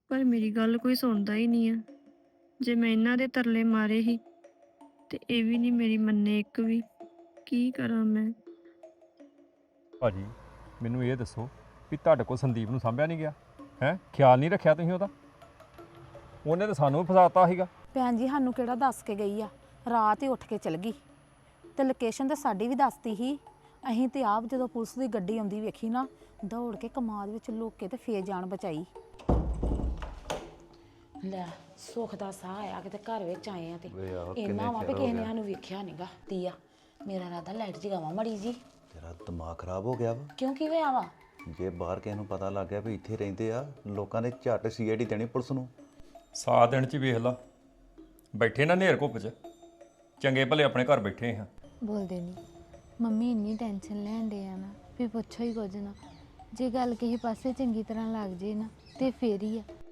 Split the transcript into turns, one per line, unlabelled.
ਪਰ ਮੇਰੀ ਗੱਲ ਕੋਈ ਸੁਣਦਾ ਹੀ ਨਹੀਂ ਆ। ਜੇ ਮੈਂ ਇਹਨਾਂ ਦੇ ਤਰਲੇ ਮਾਰੇ ਹੀ ਤੇ ਇਹ ਵੀ ਨਹੀਂ ਮੇਰੀ ਮੰਨੇ ਇੱਕ ਵੀ। ਕੀ ਕਰਾਂ ਮੈਂ?
ਭਾਜੀ ਮੈਨੂੰ ਇਹ ਦੱਸੋ ਵੀ ਤੁਹਾਡੇ ਕੋਲ ਸੰਦੀਪ ਨੂੰ ਸਾਂਭਿਆ ਨਹੀਂ ਗਿਆ ਹੈ? ਖਿਆਲ ਨਹੀਂ ਰੱਖਿਆ ਤੁਸੀਂ ਉਹਦਾ? ਉਹਨੇ ਤਾਂ ਸਾਨੂੰ ਵੀ ਫਸਾਤਾ ਸੀਗਾ।
ਭੈਣ ਜੀ ਸਾਨੂੰ ਕਿਹੜਾ ਦੱਸ ਕੇ ਗਈ ਆ? ਰਾਤ ਹੀ ਉੱਠ ਕੇ ਚਲ ਗਈ ਤੇ ਲੋਕੇਸ਼ਨ ਤਾਂ ਸਾਡੀ ਵੀ ਦੱਸਤੀ ਸੀ। ਅਸੀਂ ਤੇ ਆਪ ਜਦੋਂ ਪੁਲਿਸ ਦੀ ਗੱਡੀ ਆਉਂਦੀ ਵੇਖੀ ਨਾ, ਦੌੜ ਕੇ ਕਮਾਦ ਵਿੱਚ ਲੁੱਕ ਕੇ ਤੇ ਫੇਰ ਜਾਨ ਬਚਾਈ। ਲੈ ਸੁੱਖ ਦਾ ਸਾਹ ਆਇਆ ਕਿਤੇ ਘਰ ਵਿੱਚ ਆਏ ਆ ਤੇ ਇੰਨਾ ਵਾ ਵੀ ਕਿਸੇ ਨੇ ਸਾਨੂੰ ਵੇਖਿਆ ਨਹੀਂਗਾ। ਤੀਆ ਮੇਰਾ ਰਾਦਾ ਲਾਈਟ ਜਗਾਵਾਂ ਮੜੀ ਜੀ।
ਤੇਰਾ ਦਿਮਾਗ ਖਰਾਬ ਹੋ ਗਿਆ ਵਾ।
ਕਿਉਂ ਕੀ ਹੋਇਆ ਵਾ?
ਜੇ ਬਾਹਰ ਕਿਸੇ ਨੂੰ ਪਤਾ ਲੱਗ ਗਿਆ ਵੀ ਇੱਥੇ ਰਹਿੰਦੇ ਆ, ਲੋਕਾਂ ਨੇ ਝੱਟ ਸੀਆਈਡੀ ਦੇਣੀ ਪੁਲਿਸ ਨੂੰ।
ਸਾਤ ਦਿਨ ਚ ਹੀ ਵੇਖ ਲਾ, ਬੈਠੇ ਨਾ ਨੇਰ ਘੁੱਪ ਚ, ਚੰਗੇ ਭਲੇ ਆਪਣੇ ਘਰ ਬੈਠੇ ਹਾਂ।
ਬੋਲਦੇ ਨਹੀਂ। ਮੰਮੀ ਇੰਨੀ ਟੈਨਸ਼ਨ ਲੈਣ ਡੇ ਆ ਨਾ ਵੀ ਪੁੱਛੋ ਹੀ ਕੁਝ ਨਾ। ਜੇ ਗੱਲ ਕਿਸੇ ਪਾਸੇ ਚੰਗੀ ਤਰ੍ਹਾਂ ਲੱਗ ਜੇ ਨਾ ਤੇ ਫੇਰ ਹੀ ਆ।